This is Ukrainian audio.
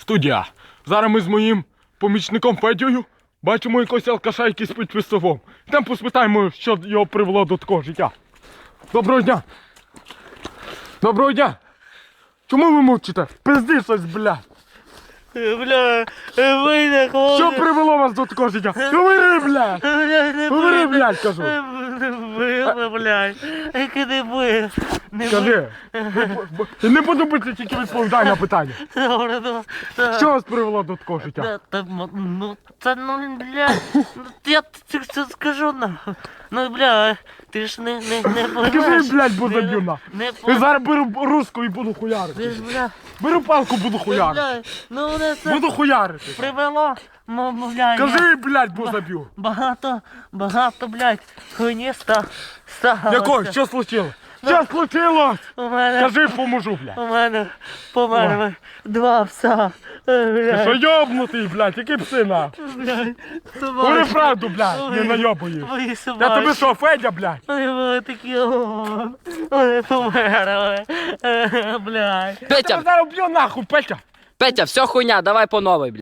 Студія. Зараз ми з моїм помічником Федією бачимо якогось алкаша, який спить під столом. Там поспитаємо, що його привело до такого життя. Доброго дня! Доброго дня! Чому ви мовчите? Пизди щось, блядь! Бля, вийде, хлопці. Що привело вас до такого життя? Говори, блядь! Говори, блядь, кажу! Не били, блядь. Яке не били. Скажи! Не подобається тільки відповідай на питання. Добре, Що вас привело до такого життя? Ну, це, ну, бля, я тобі це скажу, нахуй. Ну, бля, ти ж не Скажи, блядь, бо заб'ю на. Не Я зараз беру руску і буду хуярити. Ти ж, бля, Беру палку, буду хуярити. бля, ну, вони це Буду хуярити. привело, ну, бля, Кажи, блядь, бо заб'ю. багато, блядь, хуйні сталося. Якой? Що случилось? Що случилось? У мене, Кажи, поможу, блядь. у мене померли два пса. Ти що Блядь, йобнутий, блядь, які пси на? блядь, Говори собаки. правду, блядь, не найобуєш. Мої Я собаки. тобі що, Федя, блядь? Вони були такі, вони померли. Блядь. Я Петя, тебе зараз б'ю нахуй, Петя. Петя, все хуйня, давай по новой, блядь.